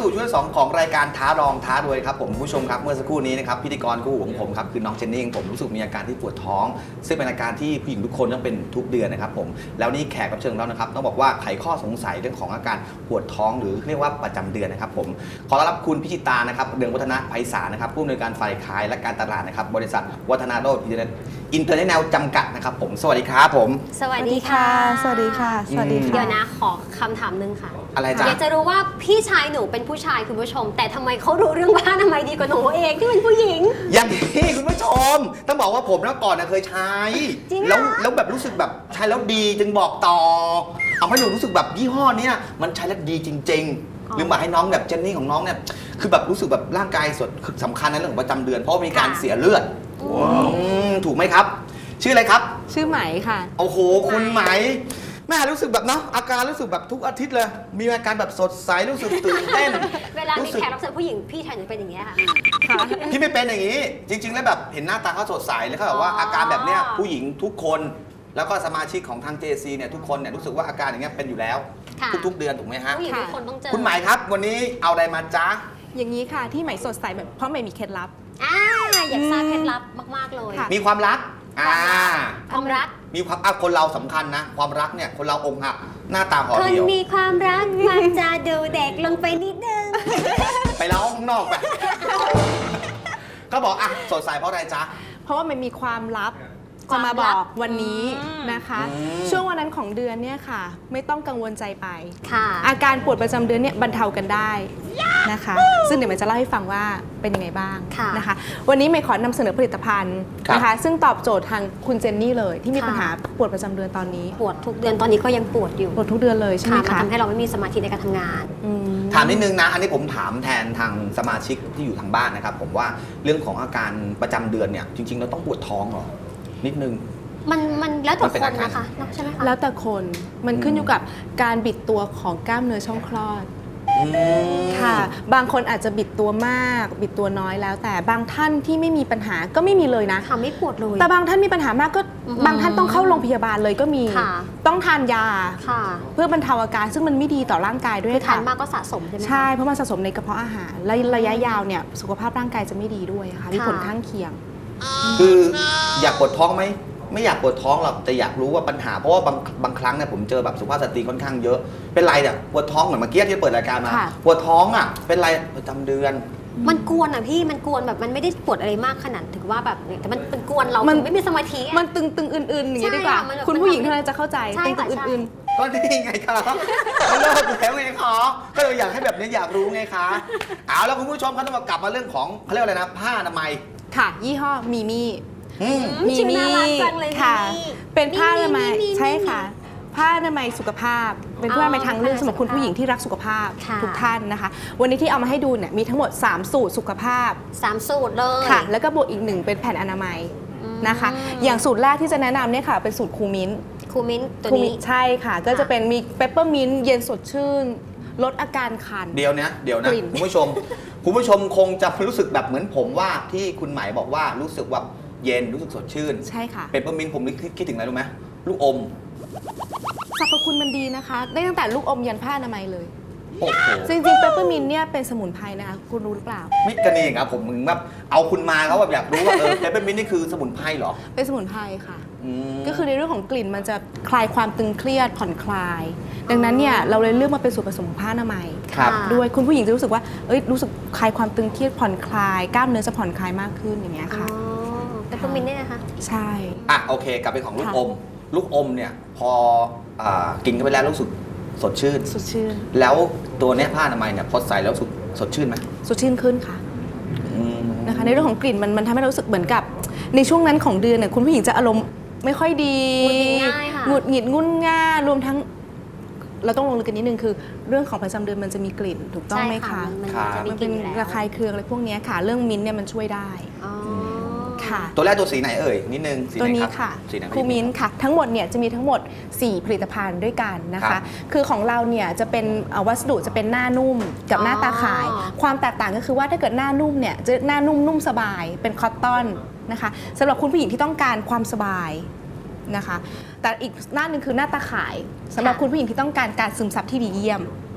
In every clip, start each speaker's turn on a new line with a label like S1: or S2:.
S1: สู่ช่วงที่ 2ของรายการท้าลองท้ารวยครับผมผู้ชมครับเมื่อสักครู่นี้นะครับพิธีกรคู่หูของผมครับคือน้องเจนนี่ของผมรู้สึกมีอาการที่ปวดท้องซึ่งเป็นอาการที่ผู้หญิงทุกคนต้องเป็นทุกเดือนนะครับผมแล้วนี่แขกรับเชิญของเรานะครับต้องบอกว่าไขข้อสงสัยเรื่องของอาการปวดท้องหรือเรียกว่าประจำเดือนนะครับผมขอต้อนรับคุณพิจิตานะครับเรืองวัฒนะไพศาลนะครับผู้อำนวยการฝ่ายขายและการตลาดนะครับบริษัทวัฒนาโรจน์อินเตอร์เนชั่นแนลจำกัดนะครับผมสวัสดีครับผม
S2: สวัสดีค่ะ
S3: สวัสดีค่ะ สวัสดีค่ะ
S2: เดี๋ยวนะขอคำถามนึงค่ะ
S1: อะไรจ๊ะ
S2: อยากจะรู้ว่าพี่ชายหนูเป็นผู้ชายคุณผู้ชม แต่ทำไมเขารู้เรื่องบ้านทำไมดีกว่าหนูเองที่เป็นผู้หญิง
S1: อย่างนี้คุณผู้ชมต้องบอกว่าผมนะก่อนนะเคยใช้
S2: จริงเหรอ
S1: แล้วแบบรู้สึกแบบใช้แล้วดีจึงบอกต่อเอาให้หนูรู้สึกแบบยี่ห้อเนี้ยมันใช้แล้วดีจริงๆหรือมาให้น้องแบบเจนนี่ของน้องเนี่ยคือแบบรู้สึกแบบร่างกายสำคัญในเรื่องของประจำเดือนเพราะมีการเสียเลือดถูกไหมครับ ชื่ออะไรครับ
S3: ชื่อไหมค่ะ
S1: โอ้โหคุณไหมแม่รู้สึกแบบเนาะอาการรู้สึกแบบทุกอาทิตย์เลยมีอาการแบบสดใสรู้สึกตื่นเต้น
S2: เวลามี
S1: รู้สึก
S2: แขกรับเชิญผู้หญิงพี่ชายหนูเป็นอย่างเงี้ยค่ะ
S1: พี่ไม่เป็นอย่างนี้ จริง ๆ แล้วแบบเห็นหน้าตาเขาสดใสแล้วเขาแบบว่า
S2: อ๋ออ
S1: อาการแบบเนี้ยผู้หญิงทุกคนแล้วก็สมาชิกของทาง JC เนี่ยทุกคนเนี่ยรู้สึกว่าอาการอย่างเงี้ยเป็นอยู่แล้ว
S2: ค่ะ
S1: ทุกๆเดือนถูกไหมฮะ
S2: ผู้หญิงทุกคนต้องเจอ
S1: คุณหมายครับวันนี้เอาอะไรมาจ๊ะ
S3: อย่างนี้ค่ะที่ไหมสดใสแบบเพราะไหมมีเคล็ดลับ
S2: อยากทราบเคล็ดลับมากๆเลย
S3: ค่ะ
S1: มีความรักอ่า
S2: ความรัก
S1: มีความคนเราสำคัญนะ ความรักเนี่ยคนเราอกหักหน้าตาห่อ
S2: คน
S1: เดียว
S2: มีความรักมักจะดูเด็กลงไปนิดนึง
S1: ไปเล่าข้างนอกไป ก็บอกอ่ะสดใสเพราะอะไรจ๊ะ
S3: เพราะว่ามันมีความลับ
S2: ควา
S3: จะ
S2: มลั
S3: มา
S2: บ
S3: บอกวันนี้นะคะ
S1: อืม
S3: ช่วงวันนั้นของเดือนเนี่ยค่ะ ไม่ต้องกังวลใจไป
S2: ค่ะ
S3: อาการปวดประจำเดือนเนี่ยบรรเทากันได้นะคะ ซึ่งเดี๋ยวมันจะเล่าให้ฟังว่าเป็นยังไงบ้าง
S2: ค่ะ
S3: นะคะ วันนี้เมย์ขอนำเสนอผลิตภัณฑ์นะคะ ซึ่งตอบโจทย์ทางคุณเจนนี่เลย ที่มี
S2: ค่ะ
S3: ปัญหาปวดประจำเดือนตอนนี้
S2: ปวดทุกเดือนตอนนี้ก็ยังปวดอยู่
S3: ปวดทุกเดือนเลยใช่ไหม
S2: ค่ะมัน
S3: คะ
S2: ทำให้เราไม่มีสมาธิในการทำงาน
S3: อืม
S1: ถามนิดนึงนะ อันนี้ผมถามแทนทางสมาชิกที่อยู่ทางบ้านนะครับผมว่าเรื่องของอาการประจำเดือนเนี่ยจริงๆเราต้องปวดท้องเหรอนิดนึง
S2: มันแล้วแต่
S1: มันเป็น
S2: ค
S1: อาน การ
S2: นะคะใช่ไหมคะ
S3: แล้วแต่คนมันขึ้นอยู่กับการบิดตัวของกล้ามเนื้อช่องคลอด ค่ะ บางคนอาจจะบิดตัวมาก บิดตัวน้อยแล้ว แต่บางท่านที่ไม่มีปัญหาก็ไม่มีเลยนะ
S2: ค่ะไม่ปวดเลย
S3: แต่บางท่านมีปัญหามากก็
S2: อือหือ
S3: บางท่านต้องเข้าโรงพยาบาลเลยก็มี
S2: ค่ะ
S3: ต้องทานยา
S2: ค่ะ
S3: เพื่อบรรเทาอาการซึ่งมันไม่ดีต่อร่างกายด้วย
S2: คือทา
S3: ค่ะ
S2: นมากก็สะสมใช่ไหมคะ
S3: ใช่ เพราะมันสะสมในกระเพาะอาหารและระยะยาวเนี่ยสุขภาพร่างกายจะไม่ดีด้วยค่ะมีผลข้างเคียง
S1: คืออยากปวดท้องไหมไม่อยากปวดท้องหรอกแต่อยากรู้ว่าปัญหาเพราะว่าบางครั้งเนี่ยผมเจอแบบสุภาพสตรีค่อนข้างเยอะเป็นไรเนี่ยปวดท้องเหมือนเมื่อกี้ที่เปิดรายการมา
S3: ค่ะ
S1: ปวดท้องอ่ะเป็นไรประจำเดือน
S2: มันกวนอ่ะพี่มันกวนแบบมันไม่ได้ปวดอะไรมากขนาดถึงว่าแบบแต่มันเป็นกวนเรา
S3: มัน
S2: ถึงไม่มีสมาธิอะ
S3: มันตึงๆอื่นๆอย่างนี้
S2: ใช่
S3: ดีกว่า
S2: ค่ะมันแบบ
S3: คุณผู้หญิงเท่านั้นจะเข้าใจ
S2: ใช่
S3: ตึ
S2: ค่ะ
S3: งๆ
S2: ใช่
S3: อื่น
S1: ก็นี่ไงคะก็เลิกแล้วไงคะก็เลยอยากให้แบบนี้อยากรู้ไงคะเอาแล้วคุณผู้ชมเขาต้องมากลับมาเรื่องของเขาเรียกว่าอะไรนะผ้าอนามัย
S3: ๆค่ะ ยี่ห้อมีมี่
S1: อืม
S2: ชื่อน่ารักจังเลย
S3: ค่ะ
S2: มีมี่
S3: เป็นผ้าอนามัย
S2: มี
S3: ใช่ค่ะ ผ้าอนามัยสุขภาพ เป็นผ้าอนามัยทางเลือก
S2: ผ้าอนามัย
S3: สำหรับคุณผู้หญิงที่รักสุขภาพ
S2: ค่ะ
S3: ทุกท่านนะคะ วันนี้ที่เอามาให้ดูเนี่ยมีทั้งหมด 3 สูตรสุขภาพ
S2: 3 สูตรเลย
S3: ค่ะ แล้วก็บวกอีก 1 เป็นแผ่นอนามัยนะคะ อย่างสูตรแรกที่จะแนะนำเนี่ยค่ะเป็นสูตรคูมิ้น
S2: คูมิ้นตัว
S3: คู
S2: นี้
S3: มิ้นใช่ค่ะ ก็จะเป็นมีเปปเปอร์มินต์เย็นสดชื่น ลดอาการคัน
S1: เดี๋ยวนะ
S3: กลิ่น
S1: คุณผู้ชมคงจะรู้สึกแบบเหมือนผมว่าที่คุณหมายบอกว่ารู้สึกแบบเย็นรู้สึกสดชื่น
S3: ใช่ค่ะ
S1: เปปเปอร์มินต์ผมคิดถึงอะไรรู้ไหมลูกอม
S3: สรรพคุณมันดีนะคะ ได้ตั้งแต่ลูกอมยันผ้าอนามัยเลย
S1: โอ้โห
S3: จริงๆเปปเปอร์มินต์เนี่ยเป็นสมุนไพรนะคะคุณรู้หรือเปล่า
S1: มิกันเองครับผมมึงแบบเอาคุณมาเขาแบบอยากรู้ว่าเปปเปอร์มินต์นี่คือสมุนไพรเหรอ
S3: เป็นสมุนไพรค่ะ
S1: ม
S3: ก็คือในเรื่องของกลิ่นมันจะคลายความตึงเครียดผ่อนคลาย ดังนั้นเนี่ยเราเลยเลือกมาเป็นส่วนผสมของผ้าอนามัย
S1: ครับ
S3: ด้วยคุณผู้หญิงจะรู้สึกว่ารู้สึกคลายความตึงเครียดผ่อนคลายกล้ามเนื้อจะผ่อนคลายมากขึ้นอย่างเงี้ย
S2: อ๋อ
S3: ค่ะ
S2: เปปเปอร์มินต์เนี่ยนะคะ
S3: ใช่
S1: อ่ะโอเคกลับไปของลูกอม ลูกอมเนี่ยพอกินเข้าไปแล้วรู้สึกสดชื่น
S3: สดชื่น
S1: แล้วตัวเนี้ยผ้าอนามัยเนี่ยพอใส่แล้วรู้สึกสดชื่นไหม
S3: สดชื่นขึ้นค่ะ
S1: อืม
S3: นะคะในเรื่องของกลิ่นมันทำให้เรารู้สึกเหมือนกับ ในช่วงนั้นของเดือนเนี่ยคุณผู้หญิงจะอารมณ์ไม่ค่อยดี
S2: หงุดหงิดง่ายค่ะ
S3: หงุดหงิดงุนง่ารวมทั้ง เราต้องลงลึกกันนิดนึงคือ เรื่องของประจำเดือนมันจะมีกลิ่นถูกต้องไหม
S2: ใช่
S3: คะ
S2: มัน
S1: ครับ
S2: จะมี
S3: มัน
S2: ก
S3: เป็
S2: ลิ่
S3: น
S2: นอยู่แล้ว
S3: ระคายเคืองอะไรพวกเนี้ยค่ะ เรื่องมิ้นท์เนี่ยมันช่วยได้
S2: อ๋อ
S3: ค่ะ
S1: ตัวแรกตัวสีไหนเอ่ยนิดนึงสีไห
S3: ตัวน นี้
S1: ครับ
S3: ค่ะ
S1: สีไหน
S3: คูมิ้นท์ค่ะ ทั้งหมดเนี่ยจะมีทั้งหมด 4 ผลิตภัณฑ์ด้วยกันนะ
S1: ครั
S3: คะ
S1: บ
S3: คือของเราเนี่ยจะเป็นวัสดุจะเป็นหน้านุ่มกับหน้าตาข่าย
S2: อ๋อ
S3: ความแตกต่างก็คือว่าถ้าเกิดหน้านุ่มเนี่ยจะหน้านุ่มสบายเป็นคอตตอนนะคะสำหรับคุณผู้หญิงที่ต้องการความสบายนะคะ แต่อีกหน้าหนึ่งคือหน้าตาข่ายสำหรับคุณผู้หญิงที่ต้องการการซึมซับที่ดีเยี่ยม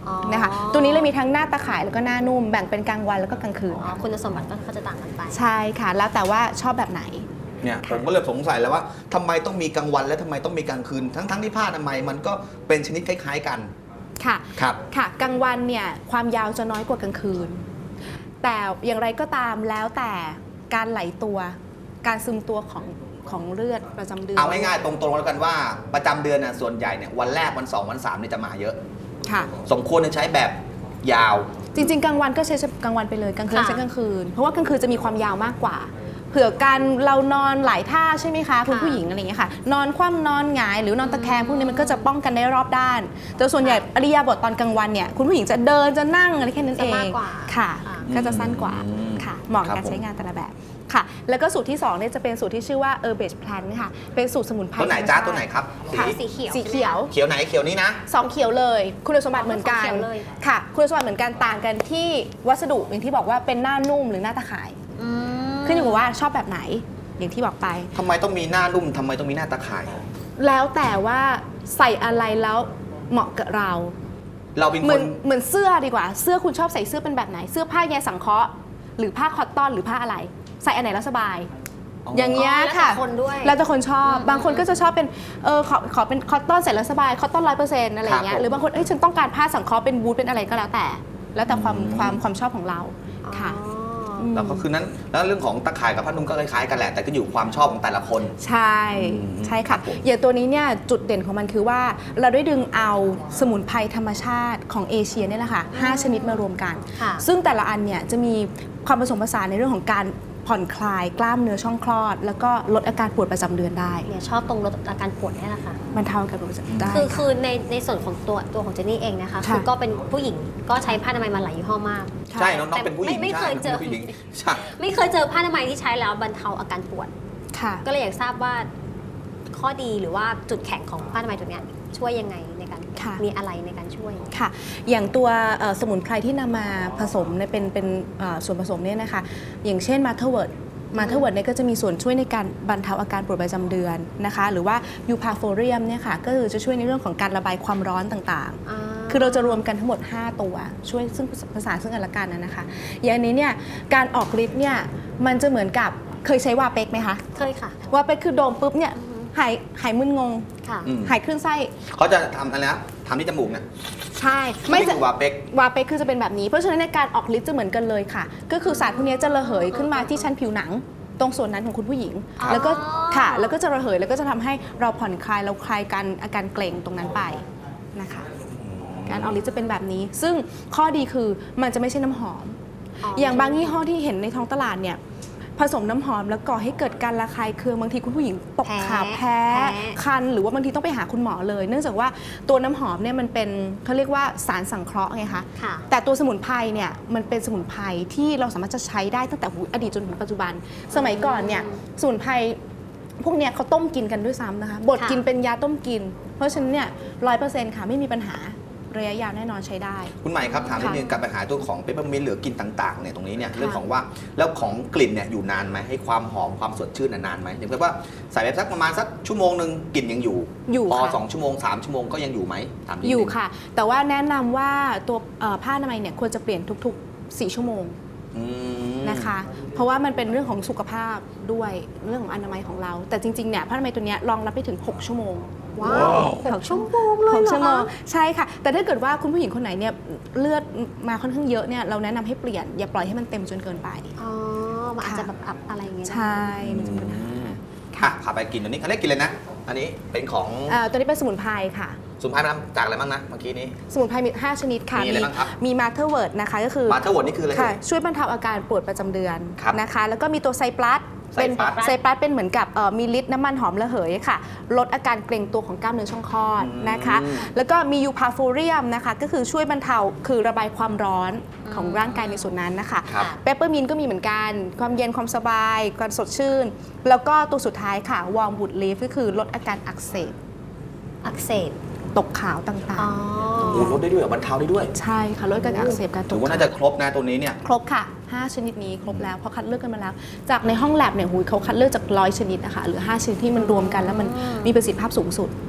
S2: อ๋อ
S3: นะคะตัวนี้เลยมีทั้งหน้าตาข่ายแล้วก็หน้านุ่มแบ่งเป็นกลางวันแล้วก็กลางคืน
S2: อ๋อคุณสมบัติก็จะต่างกันไป
S3: ใช่ค่ะแล้วแต่ว่าชอบแบบไหน
S1: เนี่ยผมก็เลยสงสัยแล้วว่าทำไมต้องมีกลางวันและทำไมต้องมีกลางคืนทั้งที่ผ้าอนามัยมันก็เป็นชนิดคล้ายๆกัน
S3: ค่ะ
S1: ครับ
S3: ค่ะกลางวันเนี่ยความยาวจะน้อยกว่ากลางคืน แต่อย่างไรก็ตามแล้วแต่การไหลตัวการซึมตัวของเลือดประจำเดือน
S1: เอาง่ายๆตรงๆแล้วกันว่าประจำเดือนน่ะส่วนใหญ่เนี่ยวันแรกวัน2วัน3เนี่ยจะมาเยอะ
S3: ค่ะ
S1: สมควรจะใช้แบบยาว
S3: จริงๆกลางวันก็ใช้กลางวันไปเลยกลางคืน
S2: ค่ะ
S3: ใช้กลางคืน เพราะว่ากลางคืนจะมีความยาวมากกว่า เผื่อการเรานอนหลายท่าใช่ไหมคะคุณผู้หญิงอะไรอย่างเงี้ยค่ะนอนคว่ำนอนหงายหรือนอนตะแคงพวกนี้มันก็จะป้องกันได้รอบด้านแต่ส่วนใหญ่อริยาบทตอนกลางวันเนี่ยคุณผู้หญิงจะเดินจะนั่งอะไรแค่นั้นเอ
S2: จะ
S3: ง
S2: มากกว่า
S3: ค่ะ
S2: ค่ะ
S3: ก็จะสั้นกว่า
S1: อืม
S3: ค่ะเหมาะกับ
S1: ครับ
S3: การ
S1: ผม
S3: ใช้งานแต่ละแบบค่ะ แล้วก็สูตรที่2เนี่ยจะเป็นสูตรที่ชื่อว่า Herbage Plan ค่ะเป็นสูตรสมุนไพร
S1: ตัวไหน
S3: ธรรม
S1: จ้า
S3: ชติ
S1: ตัวไหนครับ
S2: ค่ะสีเขียว
S3: สีเขียว
S1: เขียวไหนเขียวนี้นะ
S3: สองเขียวเลย คุณสมบัติเหมือนกัน
S2: สองเขียวเลย
S3: ค่ะ คุณสมบัติเหมือนกันต่างกันที่วัสดุอย่างที่บอกว่าเป็นหน้านุ่มหรือหน้าตะข่าย
S2: อืม
S3: ขึ้นอยู่กับว่าชอบแบบไหนอย่างที่บอกไป
S1: ทำไมต้องมีหน้านุ่มทำไมต้องมีหน้าตาข่าย
S3: แล้วแต่ว่าใส่อะไรแล้วเหมาะกับเรา
S1: เราเป็น
S3: เห
S1: ค
S3: มือน นเหมือนเสื้อดีกว่า เสื้อคุณชอบใส่เสื้อเป็นแบบไหน เสื้อผ้าใยสังเคราะห์หรือผ้าคอตตอนหรือผ้าอะไร ใส่อันไหนแล้วสบาย อย่างเงี้ย
S2: แล้วแต่
S3: ค่ะ
S2: คนด้วย
S3: แล้วแต่คนชอบ บางคนก็จะชอบเป็นขอเป็นคอตตอนใส่แล้วสบายคอตตอน100%อะไรอย่างเงี้ยหรือบางคนฉันต้องการผ้าสังเคราะห์เป็นบูทเป็นอะไรก็แล้วแต่ แล้วแต่ความชอบของเราค่ะ
S2: อ๋อ
S1: แล้วก็คือนั้นแล้วเรื่องของตะข่ายกับผ้านุ่งก็คล้ายๆกันแหละแต่ก็อยู่ความชอบของแต่ละคน
S3: ใช่
S1: อืม
S3: ใช่
S1: ครั
S3: ค่ะ
S1: บผม
S3: อย่างตัวนี้เนี่ยจุดเด่นของมันคือว่าเราได้ดึงเอาสมุนไพรธรรมชาติของเอเชียเนี่ยแหละค่ะ5ชนิดมารวมกัน
S2: ค่ะ
S3: ซึ่งแต่ละอันเนี่ยจะมีความผสมผสานในเรื่องของการผ่อนคลายกล้ามเนื้อช่องคลอด แล้วก็ลดอาการปวดประจำเดือนได้
S2: เนี่ยชอบตรงลดอาการปวดนี่แหละค่ะ
S3: บรรเทาอาการปวดประจำได้
S2: คือ
S3: ค่ะ
S2: คือในส่วนของตัวของเจนนี่เองนะคะ
S3: ค่ะ
S2: คือก็เป็นผู้หญิงก็ใช้ผ้าอนามัยมาหลายยี่ห้อมาก
S1: ใช่น้องๆเป็นผู้หญิง
S2: ไม่
S1: ใช่
S2: เคยเจอ
S1: น้งป็นผู้หญิงใช่
S2: ไม่เคยเจอผ้าอนามัยที่ใช้แล้วบรรเทาอาการปวด
S3: ค่ะ
S2: ก็เลยอยากทราบว่าข้อดีหรือว่าจุดแข็งของผ้าอนามัยตัวเนี้ยช่วยยังไงในการ
S3: ค่ะ
S2: มีอะไรในการช่วย
S3: ค่ะ อย่างตัวสมุนไพรที่นำมาผสมเนี่ยเป็นส่วนผสมเนี่ยนะคะ อย่างเช่นมาเทอร์เวิร์ดเนี่ยก็จะมีส่วนช่วยในการบรรเทาอาการปวดประจำเดือนนะคะ หรือว่ายูพาโฟเรียมเนี่ยค่ะ ก็คือจะช่วยในเรื่องของการระบายความร้อนต่างๆ คือเราจะรวมกันทั้งหมด 5 ตัว ช่วยซึ่งผสานซึ่งกันและกันนะคะ อย่างอันนี้เนี่ยการออกฤทธิ์เนี่ยมันจะเหมือนกับเคยใช้วาเป็กไหมคะ
S2: เคยค่ะ
S3: วาเป็กคือโดมปุ๊บเนี่ยหายมึนงง
S2: ค่ะ
S1: อืม
S3: หายคลื่นไส้
S1: เขาจะทำอะไรนะทำที่จมูกเนี่ย
S3: ใช่ไม่
S1: นี่
S3: จะ
S1: คือวาเป็ก
S3: วาเปกคือจะเป็นแบบนี้เพราะฉะนั้นในการออกฤทธิ์จะเหมือนกันเลยค่ะ ก็คือสารพวกนี้จะระเหยขึ้นมาที่ชั้นผิวหนัง ตรงส่วนนั้นของคุณผู้หญิง
S2: อ๋อ
S3: แล้วก็ค่ะแล้วก็จะระเหยแล้วก็จะทำให้เราผ่อนคลายเราคลายการอาการเกร็งตรงนั้นไปนะคะ การออกฤทธิ์จะเป็นแบบนี้ ซึ่งข้อดีคือมันจะไม่ใช่น้ำหอม อย่างบางยี่ห้อที่เห็นในท้องตลาดเนี่ยผสมน้ำหอมแล้วก่อให้เกิดการระคายเคืองบางทีคุณผู้หญิงตกขาแพ้คันหรือว่าบางทีต้องไปหาคุณหมอเลย เนื่องจากว่าตัวน้ำหอมเนี่ยมันเป็นเขาเรียกว่าสารสังเคราะห์ไงคะ
S2: ค่ะ
S3: แต่ตัวสมุนไพรเนี่ยมันเป็นสมุนไพรที่เราสามารถจะใช้ได้ตั้งแต่อดีตจนถึงปัจจุบัน สมัยก่อนเนี่ยสมุนไพรพวกเนี้ยเขาต้มกินกันด้วยซ้ำนะคะบด
S2: ค่ะ
S3: กินเป็นยาต้มกิน เพราะฉะนั้นเนี่ย100%ค่ะไม่มีปัญหาระยะยาวแน่นอนใช้ได้
S1: คุณใหม่ครับถามนิด
S3: ค่ะ
S1: นึงกับปัญหาตัวของเปปเปอร์มินต์หรือกลิ่นต่างๆเนี่ยตรงนี้เนี่ย
S3: ค่ะ
S1: เรื่องของว่าแล้วของกลิ่นเนี่ยอยู่นานไหมให้ความหอมความสดชื่นนานไหมอย่างเช่นว่าใส่ไปสักประมาณสักชั่วโมงหนึ่งกลิ่นยังอยู่
S3: อยู่
S1: พอ
S3: ค่ะ
S1: 2 ชั่วโมง 3 ชั่วโมงก็ยังอยู่ไหมถามนิดนึง
S3: อยู่ค่ะ แต่ว่าแนะนำว่าตัวผ้าอนามัยเนี่ยควรจะเปลี่ยนทุกๆ 4 ชั่วโมง
S1: อืม
S3: นะคะ เพราะว่ามันเป็นเรื่องของสุขภาพด้วยเรื่องของอนามัยของเรา แต่จริงๆเนี่ยผ้าอนามัยตัวเนี้ยรองรับไปถึง 6 ชั่วโมง
S2: ว้าว6 ชั่วโมงเลย
S3: 6
S2: เหร
S3: ชั่
S2: อ
S3: วโมง
S2: คะ
S3: ใช่ค่ะ แต่ถ้าเกิดว่าคุณผู้หญิงคนไหนเนี่ยเลือดมาค่อนข้างเยอะเนี่ยเราแนะนำให้เปลี่ยนอย่าปล่อยให้มันเต็มจนเกินไป
S2: อ๋อมันอาจจะแบบอับอะไรอย่างเงี้ยนะ
S3: ใช่มันจะมีปัญหา
S1: ค่ะพาไปกินตัวนี้เขาเรียกกินเลยนะ อันนี้เป็นของ
S3: ตัวนี้เป็นสมุนไพรค่ะ
S1: สมุนไพรทำจากอะไรบ้างนะเมื่อกี้นี้
S3: สมุนไพรมี 5 ชนิดค่ะ
S1: มีอะไรบ้างครับ
S3: มีมาเทอร์เวิร์ดนะคะก็คือ
S1: มาเทอร์วอร์ดนี่คืออะไร
S3: ค่ะช่วยบรรเทาอาการปวดประจำเดือน
S1: ครับ
S3: นะคะ แล้วก็มีตัวไซปลัส
S1: ไซปลัส
S3: ไซปลัสเป็นเหมือนกับมีฤทธิ์น้ำมันหอมระเหยค่ะ ลดอาการเกร็งตัวของกล้ามเนื้อช่องคลอดนะคะ แล้วก็มียูพาโฟเรียมนะคะ ก็คือช่วยบรรเทาคือระบายความร้อนของร่างกายในส่วนนั้นนะคะ
S1: ครับ
S3: เปปเปอร์มินต์ก็มีเหมือนกัน ความเย็นความสบายความสดชื่น แล้วก็ตัวสุดท้ายค่ะวอร์มวูดลีฟก็คือลดอาการอักเสบ
S2: อักเสบ
S3: ตกขาวต่าง
S2: อ๋อ
S1: โอ้ลดได้ด้วยเหรอบรรเทาได้ด้วย
S3: ๆ ใช่ค่ะลดการอักเสบการต
S1: ถื
S3: ก
S1: อว่า
S3: ขาว
S1: น่าจะครบนะตัวนี้เนี่ย
S3: ครบค่ะ 5 ชนิดนี้ครบแล้วเพราะคัดเลือกกันมาแล้ว จากในห้องแลบเนี่ยหูยเขาคัดเลือกจาก100 ชนิดนะคะหรือ 5 ชนิดที่มันรวมกันแล้วมันมีประสิทธิภาพสูงสุด
S2: ค่ะ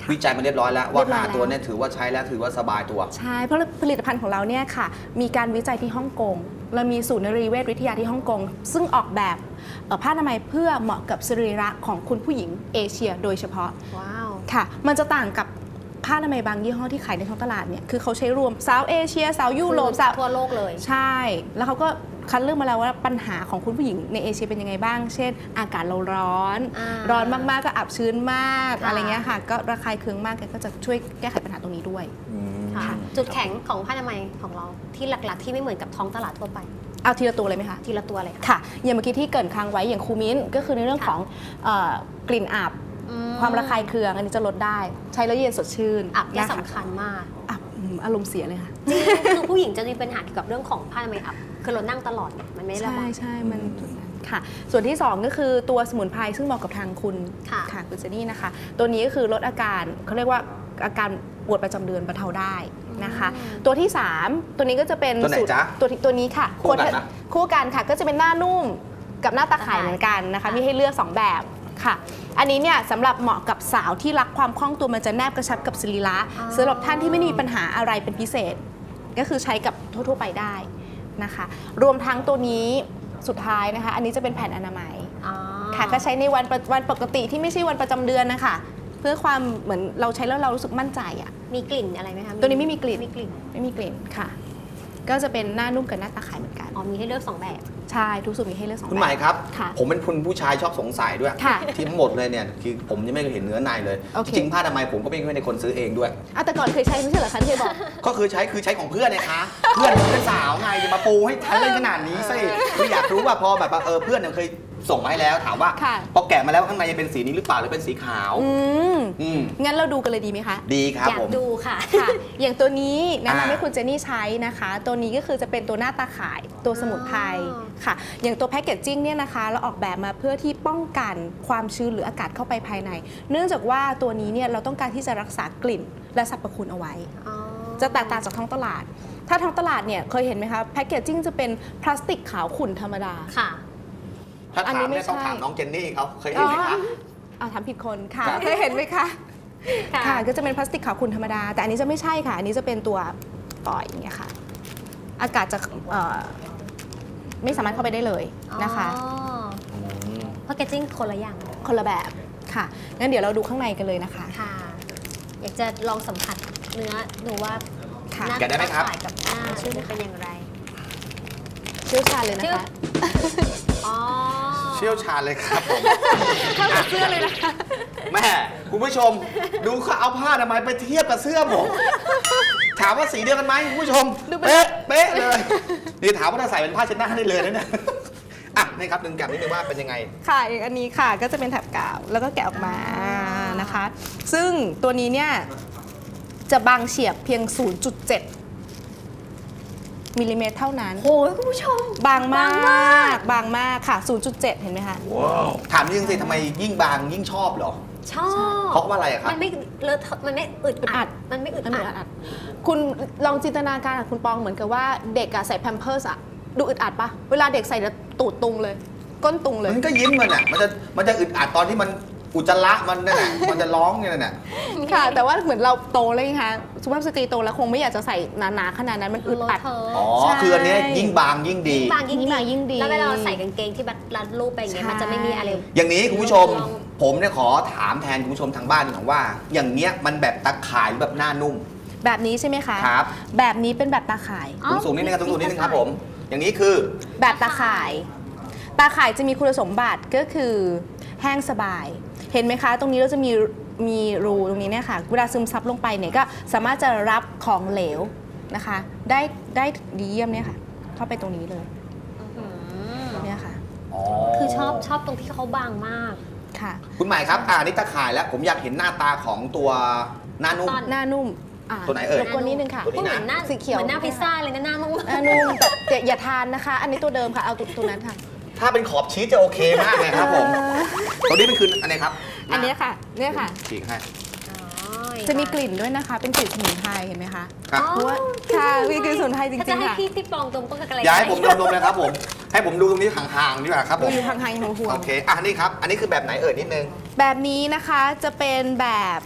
S1: วิจัยมาเรียบร้อยแล้วว่า
S3: เรียบร้อยแล้ว
S1: 5ตัวเนี่ยถือว่าใช้แล้วถือว่าสบายตัว
S3: ใช่เพราะผลิตภัณฑ์ของเราเนี่ยค่ะมีการวิจัยที่ฮ่องกงเรามีศูนย์นรีเวชวิทยาที่ฮ่องกงซึ่งออกแบบผ้าอนามัยเพื่อเหมาะกับสรีระของคุณผู้หญิงเอเชียโดยเฉพาะ
S2: ว้าว
S3: ค่ะมันจะต่างกับผ้าอนามัยบางยี่ห้อที่ขายในท้องตลาดเนี่ยคือเขาใช้รวมสาวเอเชียสาวยุโรปสาว
S2: ทั่วโลกเลย
S3: ใช่ แล้วเขาก็คัดเลือกมาแล้วว่าปัญหาของคุณผู้หญิงในเอเชียเป็นยังไงบ้าง เช่น อากาศเราร้อน ร้อนมากๆก็อับชื้นมาก
S2: ค่ะ
S3: อะไรเงี้ยค่ะ ก็ระคายเคืองมากแกก็จะช่วยแก้ไขปัญหาตรงนี้ด้วย
S2: ค่ะ
S3: ค่ะ
S2: จุดแข็งของผ้าอนามัยของเราที่หลักๆ ที่ไม่เหมือนกับท้องตลาดทั่วไป
S3: เอาทีละตัวเลยไหมคะ
S2: ทีละตัวเลยค่ะ
S3: ค่ะ อย่างเมื่อกี้ที่เกรินค้างไว้อย่างคูมิ้นก็คือในเรื่องของกลิ่นอับ ความระคายเคืองอันนี้จะลดได้ ใช้แล้วเย็นสดชื่น
S2: อับเนี่ย
S3: นะคะ
S2: สำคัญมาก
S3: อับอารมณ์เสียเลยค่ะ
S2: จริงคือผู้หญิงจะมีปัญหาเกี่ยวกับเรื่องของผ้าอนามัยอับคือเรานั่งตลอดเนี่ยมันไม่ได้ระ
S3: ใช่
S2: บาย
S3: ใช่มันจุดนั้นค่ะ ส่วนที่ 2 ก็คือตัวสมุนไพรซึ่งเหมาะกับทางคุณ
S2: ค่ะ
S3: คุณเจนี่นะคะ ตัวนี้ก็คือลดอาการเขาเรียกว่าอาการปวดประจำเดือนบรรเทาได้นะคะ ตัวที่ 3 ตัวนี้ก็จะเป็น
S1: ตัวไหน
S3: สูตร
S1: จ๊ะ
S3: ตัวนี้ค่ะ
S1: คู่กันนะ
S3: คู่กันค่ะ ก็จะเป็นหน้านุ่มกับหน้าตาข่ายเหมือนกันนะคะ มีให้เลือก 2 แบบค่ะ อันนี้เนี่ยสำหรับเหมาะกับสาวที่รักความคล่องตัวมันจะแนบกระชับกับสรีระสำหรับท่านที่ไม่มีปัญหาอะไรเป็นพิเศษ ก็คือใช้กับทั่วๆไปได้นะคะ รวมทั้งตัวนี้สุดท้ายนะคะ อันนี้จะเป็นแผ่นอนามัย
S2: อ๋อ
S3: ค่ะก็ใช้ในวันปกติที่ไม่ใช่วันประจำเดือนนะคะเพื่อความเหมือนเราใช้แล้วเรารู้สึกมั่นใจอ่ะ
S2: มีกลิ่นอะไรไหมคะ
S3: ตัวนี้ไม่มีกลิ่น
S2: ไม่มีกลิ่น
S3: ไม่มีกลิ่นค่ะ ก็จะเป็นหน้านุ่มกับหน้าตาขายเหมือนกัน
S2: อ๋อมีให้เลือก 2 แบบ
S3: ใช่ทุกสูตรมีให้เลือกสอง
S1: คุณ
S3: แบ
S1: หมาย
S3: บ
S1: ครับ
S3: ค่ะ
S1: ผมเป็นคนผู้ชายชอบสงสัยด้วย
S3: ค่ะ
S1: ที่ทั้งหมดเลยเนี่ยคือผมยังไม่เคยเห็นเนื้อในเลย
S3: โอเค
S1: จริงๆผ้าอนามัยผมก็ไม่ได้คนซื้อเองด้วย
S3: อ่ะแต่ก่อนเคยใช้ไม่ใช่เหรอคะที่เคยบอก
S1: ก็คือใช้ของเพื่อนนะคะ เพื่อนเป็นสาวไงจะมาปูให้ทันเล่นขนาดนี้สิคืออยากรู้ว่าพอแบบว่าเพื่อนเนี่ยเคยส่งมาให้แล้วถามว่า
S3: ค่ะ
S1: พอแกะมาแล้วข้างในจะเป็นสีนี้หรือเปล่าหรือเป็นสีขาว อืม
S3: งั้นเราดูกันเลยดีไหมคะ
S1: ดีครับ
S2: อยา
S1: ผ
S2: ก
S1: ม
S2: ดูค่ะ
S3: ค่ะ อย่างตัวนี้แนะนำให้
S1: อ่า
S3: คุณเจนี่ใช้นะคะ ตัวนี้ก็คือจะเป็นตัวหน้าตาข่ายตัวสมุนไพร
S2: อ๋อ
S3: ค่ะ อย่างตัวแพคเกจจิ้งเนี่ยนะคะเราออกแบบมาเพื่อที่ป้องกันความชื้นหรืออากาศเข้าไปภายใน เนื่องจากว่าตัวนี้เนี่ยเราต้องการที่จะรักษากลิ่นและสรรพคุณเอาไว้
S2: อ๋อ
S3: จะแตกต่างจากท้องตลาด ถ้าท้องตลาดเนี่ยเคยเห็นไหมคะแพคเกจจิ้งจะเป็นพลาสติกขาวขุ่นธรรมดา
S2: ค่ะ
S1: ถ้า
S3: อัน
S1: ถา
S3: นี้
S1: ม
S3: ไม่
S1: เนี่ยต้อง
S3: ใช่
S1: ถามน้องเจนนี่เขาเคยเห็นไหมคะ
S3: ถามผิดคนค่ะ
S1: ครับ
S3: เคยเห็นไหมคะ
S2: ค่ะ
S3: ค่ะ ก็จะเป็นพลาสติกขาวขุ่นธรรมดา แต่อันนี้จะไม่ใช่ค่ะ อันนี้จะเป็นตัวปล่อยอย่างเงี้ยค่ะ อากาศจะไม่สามารถเข้าไปได้เลยนะคะ
S2: แพคเกจจิ้งคนละอย่าง
S3: คนละแบบค่ะ งั้นเดี๋ยวเราดูข้างในกันเลยนะคะ
S2: ค่ะ อยากจะลองสัมผัสเนื้อดูว่า
S3: ค่ะ
S2: หน้า
S1: แกะได้ไหมครับ
S2: ตาข่ายกับหน้าชื่อเป็นอย่างไร
S3: เชี่ยวชาญเลยนะ
S2: ชื่อ
S3: คะ
S2: อ๋อ
S1: เชี่ยวชาญเลยครับผม
S3: เข้ากับเสื้อเลยนะคะ
S1: แม่คุณผู้ชม ดูเขาเอาผ้าอนามัยไปเทียบกับเสื้อผมถามว่าสีเดียวกันไหมคุณผู้ชม
S3: ดูเป็น
S1: เป๊ะเลยนี่ถามว่าถ้าใส่เป็นผ้าเช็ดหน้าได้เลยนะเนี่ยอ่ะนี่ครับดึงกลับนิดนึงว่าเป็นยังไง
S3: ค่ะอย่างอันนี้ค่ะก็จะเป็นแถบกาวแล้วก็แกะออกมานะคะ ซึ่งตัวนี้เนี่ยจะบางเฉียบเพียง 0.7 มิลลิเมตรเท่านั้น
S2: โอ้ยคุณผู้ชม
S3: บางม
S2: บางมา
S3: าก บางมากค่ะ 0.7 เห็นไหมคะ
S1: ถามจริงสิทำไมยิ่งบางยิ่งชอบเหรอ
S2: ชอบ
S1: เพราะว่าอะไรอะครับ
S2: มันไม่เลอะเทอะมันไม่อึด
S3: อั
S2: อั
S3: ด
S2: ด มันไม่อึด
S3: มันเหมือน
S2: อัด
S3: อัดคุณลองจินตนาการกับคุณปองเหมือนกับว่าเด็กอะใส่แพมเพิร์สอะดูอึดอัดปะเวลาเด็กใส่แล้วตูดตุงเลย ก้นตุงเลย
S1: มันก็ยิ้มมันอ่ะมันจะอึดอัดตอนที่มันอุจจาระมันนั่นแหละมันจะร้องเนี่ยนั่นแหละ
S3: ค่ะ แต่ว่าเหมือนเราโตแล้วไงคะสุภาพสตรีโตแล้วคงไม่อยากจะใส่หนาๆขนาดนั้นมันอึดอัด
S2: เลอะเทอะ
S1: อ๋อ
S3: ใช่
S1: คืออันเนี้ยยิ่งบางยิ่งดี
S2: บางยิ่ง
S3: ยิ่งบางยิ่งดี
S2: แล้วเวลาเราใส่กางเกงที่แบบรัดรูปไปอย่างเงี้ย
S3: ใช่
S2: มันจะไม่มีอะไร
S1: อย่างนี้คุณผู้ชม
S2: ลอง
S1: ผมเนี่ยขอถามแทนคุณผู้ชมทางบ้านหน่อยว่า อย่างเนี้ยมันแบบตะข่ายหรือแบบหน้านุ่ม
S3: แบบนี้ใช่ไหมคะ
S1: ครับ
S3: แบบนี้เป็นแบบตาข่าย
S2: อ๋อ
S1: สูงๆนิดนึงครับสูงๆนิดนึงครับผม อย่างนี้คือ
S3: แบบตาข่าย ตาข่ายจะมีคุณสมบัติก็คือแห้งสบาย เห็นไหมคะ ตรงนี้เราจะมีรูตรงนี้เนี่ยค่ะ เวลาซึมซับลงไปเนี่ยก็สามารถจะรับของเหลวนะคะ ได้ดีเยี่ยมเนี่ยค่ะ เข้าไปตรงนี้เลย
S2: อืม
S3: เนี่ยค่ะ
S2: คือชอบตรงที่เขาบางมาก
S3: ค่ะ
S1: คุณหมายครับอันนี้ตะข่ายแล้ว ผมอยากเห็นหน้าตาของตัวหน้านุ่ม
S2: ตอน
S3: หน้านุ่ม
S1: ตัวไหนเอ่ย
S3: รบกวนนิดนึงค่ะ
S1: ตัวนี้
S2: เหมือนหน้า
S3: สีเขียว
S2: เหมือนหน้าพิซซ่าเลยนะหน้านุ่ม
S3: หน้านุ่มแต่อย่าทานนะคะ อันนี้ตัวเดิมค่ะ เอาตัวนั้นค่ะ
S1: ถ้าเป็นขอบชีสจะโอเคมากเลยครับผม ตัวนี้เป็นคืออันไหนครับ
S3: อันเนี้ยค่ะ เนี่ยค่ะ
S1: ฉีกให้
S3: จะมีกลิ่นด้วยนะคะ เป็นกลิ่นสมุนไพรเห็นไหมคะ
S1: ครับ
S3: เพราะว่าค่ะมีกลิ่นสมุนไพรจ
S2: ถ้าจะ
S3: ริงๆ
S2: ให้
S3: ค่ะ
S2: พี่ปองตรงก็กระไร
S1: อย่าให้ผมดมๆเลยครับผม ให้ผมดูตรงนี้ห่างๆดีกว่าครับผ
S3: ดู
S1: ม
S3: อยู่ห่างๆห่วง
S1: โอเค อ่ะนี่ครับ อันนี้คือแบบไหนเอ่ยนิดนึง
S3: ๆแบบนี้นะคะจะเป็นแบบ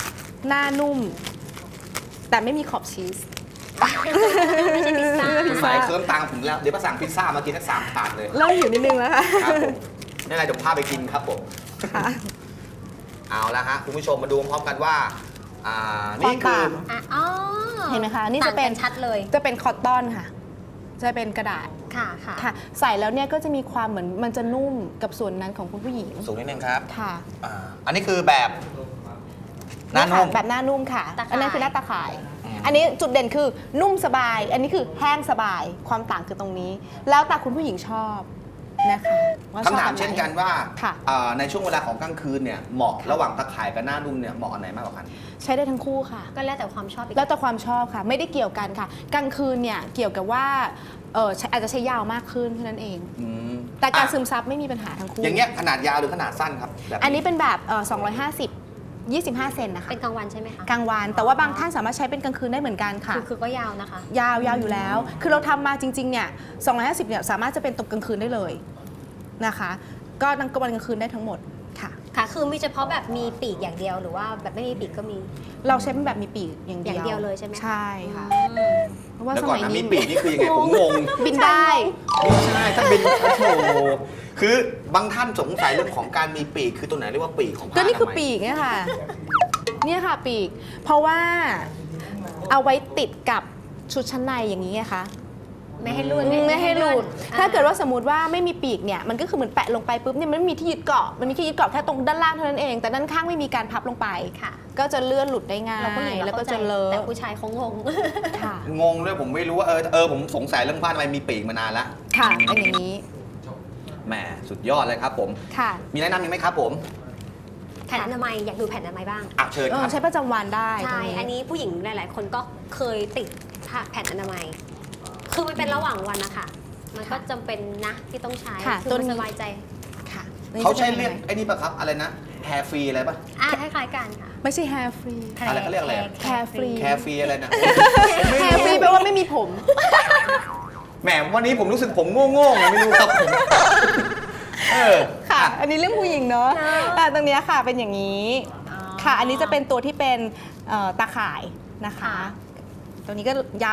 S3: หน้านุ่ม แต่ไม่มีขอบชีส
S2: ไม่ใช่พิซซ่า
S1: คุณหมายเคิร์มตังค์ผมแล้ว เดี๋ยวมาสั่งพิซซ่ามากินทั้ง3 ถาดเลย
S3: เริ่มหิวนิดนึงแล้วค่ะ
S1: ครับผมนี่อะไรเดี๋ยวพาไปกินครับผม
S3: ค่ะ
S1: เอาละฮะคุณผู้ชมมาดูพร้อมกันว่านี่คือ
S3: ความต่าง
S2: อ่ะอ๋อ
S3: เห็นไหมคะนี่จะเป็น
S2: ต่างกัชัดเลย
S3: จะเป็นคอตตอนค่ะ จะเป็นกระดาษ
S2: ค่ะค่ะ
S3: ค่ะ ใส่แล้วเนี่ยก็จะมีความเหมือนมันจะนุ่มกับส่วนนั้นของคุณผู้หญิง
S1: สูงนิดนึงครับ
S3: ค่ะ
S1: อันนี้คือแบบหน้านุ่ม
S3: แบบหน้านุ่มค่ะ
S2: ตาข่าย
S3: อันนั้นคือหน้าตาข่าย อันนี้จุดเด่นคือนุ่มสบาย อันนี้คือแห้งสบาย ความต่างคือตรงนี้ แล้วแต่คุณผู้หญิงชอบนะคะว่าชอบ
S1: คำถาม
S3: แบบไห
S1: เช่นกันว่า
S3: ค่ะ
S1: ในช่วงเวลาของกลางคืนเนี่ยเหมาะระหว่างตะข่ายกับหน้านุ่มเนี่ยเหมาะอันไหนมากกว่ากัน
S3: ใช้ได้ทั้งคู่ค่ะ
S2: ก็แล้วแต่ความชอบอีก
S3: แล้วแต่ความชอบค่ะ ไม่ได้เกี่ยวกันค่ะ กลางคืนเนี่ยเกี่ยวกับว่าอาจจะใช้ยาวมากขึ้นเท่านั้นเอง แต่การซึมซับไม่มีปัญหาทั้งคู่
S1: อย่างเงี้ยขนาดยาวหรือขนาดสั้นครับแบบ
S3: อันนี้เป็นแบบ250 25 เซนนะคะ
S2: เป็นกลางวันใช่ไหมคะ
S3: กลางวัน แต่ว่าบางท่านสามารถใช้เป็นกลางคืนได้เหมือนกันค่ะ
S2: คือก็ยาวนะคะ
S3: ยาวอยู่แล้ว คือเราทำมาจริงๆเนี่ย250เนี่ยสามารถจะเป็นตกกลางคืนได้เลยนะคะ ก็ทั้งกลางวันกลางคืนได้ทั้งหมดค่ะ
S2: ค่ะ คือมีเฉพาะแบบมีปีกอย่างเดียวหรือว่าแบบไม่มีปีกก็มี
S3: เราใช้เป็นแบบมีปีกอย่างเดียว
S2: อย่างเดียวเลยใช่ไหมคะ
S3: ใช่ค่ะ
S2: อืม
S3: เพราะว่า
S1: แล้ว
S3: ส
S1: ก่อน
S3: มัย
S1: นะมี
S3: นี้
S1: ปีกนี่คือยังไงผมงง
S3: บินได้
S1: ไม่ใช่ถ้าบินโอ้โหคือบางท่านสงสัยเรื่องของการมีปีกคือตัวไหนเรียกว่าปีกของผ้า
S3: ก็นี่คือ
S1: ทำไม
S3: ปีกเนี่ยค่ะ เนี่ยค่ะปีก เพราะว่าเอาไว้ติดกับชุดชั้นในอย่างนี้ไงคะ
S2: ไม่ให้หลุด
S3: ไม่ให้หลุด
S2: อ่
S3: ถ้าเกิดว่าสมมติว่าไม่มีปีกเนี่ยมันก็คือเหมือนแปะลงไปปุ๊บเนี่ยมันไม่มีที่ยึดเกาะมันมีที่ยึดเกาะแค่ตรงด้านล่างเท่านั้นเอง แต่ด้านข้างไม่มีการพับลงไป
S2: ค่ะ
S3: ก็จะเลื่อนหลุดได้ง่าย
S2: เราผู้หญิง
S3: แล้วก็
S2: เข้าใจ
S3: จะเลอะ
S2: แต่ผู้ชายเขางง
S3: ค่ะ
S1: งงด้วยผมไม่รู้ว่าผมสงสัยเรื่องผ้าทำไมมีปีกมานานแล้ว
S3: ค่ะเป็นอย่างนี้
S1: แหมสุดยอดเลยครับผม
S3: ค่ะ
S1: มีแนะนำอีกไหมครับผม
S2: แผ่นอนามัยอยากดูแผ่นอนามัยบ้าง
S1: เชิญครับ
S3: ใช้ประจำวันได้
S2: ใช่
S3: ตรง
S2: อันนี้ผู้หญิงหลาย ๆ คนก็เคยติดแผ่นอนามัย คือมันเป็นระหว่างวันนะคะ มันก็จำเป็นนะที่ต้องใช้
S3: ค่ะ
S2: คือมันสบายใจ
S3: ค่ะ
S1: เขาใช้เรียกไอ้นี่ป่ะครับอะไรนะแฮร์ฟรีอะไรป่ะ
S2: คล้าย ๆ กันค่ะ
S3: ไม่ใช่ hair free
S1: อะไรเขาเรียกอะไรอะ
S3: hair free
S1: แคร์ฟรีอะไรนะ
S3: hair free แปลว่าไม่มีผม
S1: แหมวันนี้ผมรู้สึกผมโง่ๆไงไม่รู้ครับผมเออ
S3: ค่ะ
S1: อ่ะ
S3: อันนี้เรื่องผู้หญิงเนาะ
S2: เนอะ
S3: แต่ตรงเนี้ยค่ะเป็นอย่างนี้
S2: อ๋อ
S3: ค่ะ อันนี้จะเป็นตัวที่เป็นตาข่ายนะคะ
S2: ค่ะ
S3: ตัวนี้ก็ยาว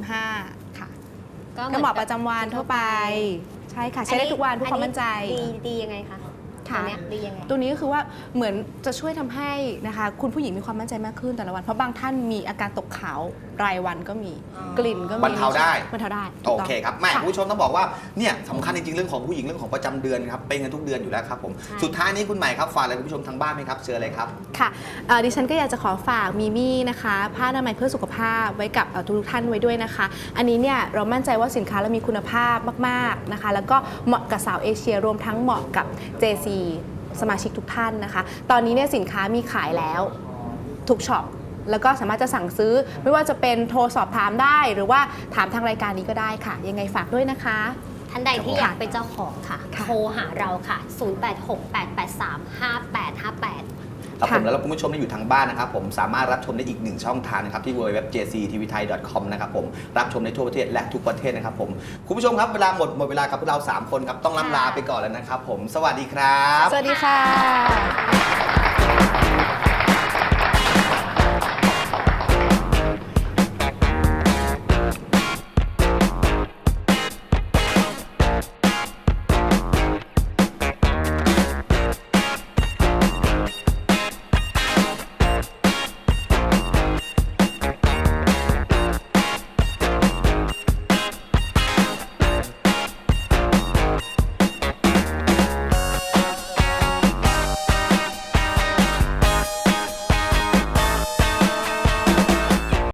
S3: 155 ค่ะ
S2: ก็
S3: ก็เหมาะประจำวันทั่วไป ใช่ค่ะ ใช้ได้ทุกวันเพื่อความมั่นใจ
S2: ดียังไงคะ
S3: ค่ะ
S2: ตัวเนี้ยดียังไง
S3: ตัวนี้ก็คือว่าเหมือนจะช่วยทำให้นะคะคุณผู้หญิงมีความมั่นใจมากขึ้นแต่ละวัน เพราะบางท่านมีอาการตกขาวรายวันก็มี
S2: อ๋อ
S3: กลิ่นก็มี
S1: บรรเทาได้
S3: บรรเทาได้ถู
S1: โอก
S3: ต้อง
S1: เคครับแม่
S3: ค่ะ
S1: คุณผู้ชมต้องบอกว่าเนี่ยสำคัญจริงๆเรื่องของผู้หญิงเรื่องของประจำเดือนครับเป็นกันทุกเดือนอยู่แล้วครับผม
S2: ใช่
S1: สุดท้ายนี้คุณใหม่ครับฝากอะไรคุณผู้ชมทางบ้านไหมครับเชิญเลยครับ
S3: ค่ะดิฉันก็อยากจะขอฝากมีมี่นะคะผ้าอนามัยเพื่อสุขภาพไว้กับทุกท่านไว้ด้วยนะคะ อันนี้เนี่ยเรามั่นใจว่าสินค้าเรามีคุณภาพมากๆนะคะ แล้วก็เหมาะกับสาวเอเชียรวมทั้งเหมาะกับ JC สมาชิกทุกท่านนะคะ ตอนนี้เนี่ยสินค้ามีขายแล้วทุกช็อปแล้วก็สามารถจะสั่งซื้อไม่ว่าจะเป็นโทรสอบถามได้ หรือว่าถามทางรายการนี้ก็ได้ค่ะ ยังไงฝากด้วยนะคะ
S2: ท่านใดที่อยากเป็นเจ้าของค่ะ
S3: ค่ะ
S2: โทรหาเราค่ะ 0868835858
S1: ครับผมแล้วคุณผู้ชมที่อยู่ทางบ้านนะครับผมสามารถรับชมได้อีกหนึ่งช่องทางนะครับที่ www.jctvthai.com นะครับผมรับชมในทั่วประเทศและทุกประเทศนะครับผมคุณผู้ชมครับเวลาหมดเวลากับพวกเรา3คนครับต้องล่ำลาไปก่อนแล้วนะครับผมสวัสดีครับ
S3: สวัสดีค่ะ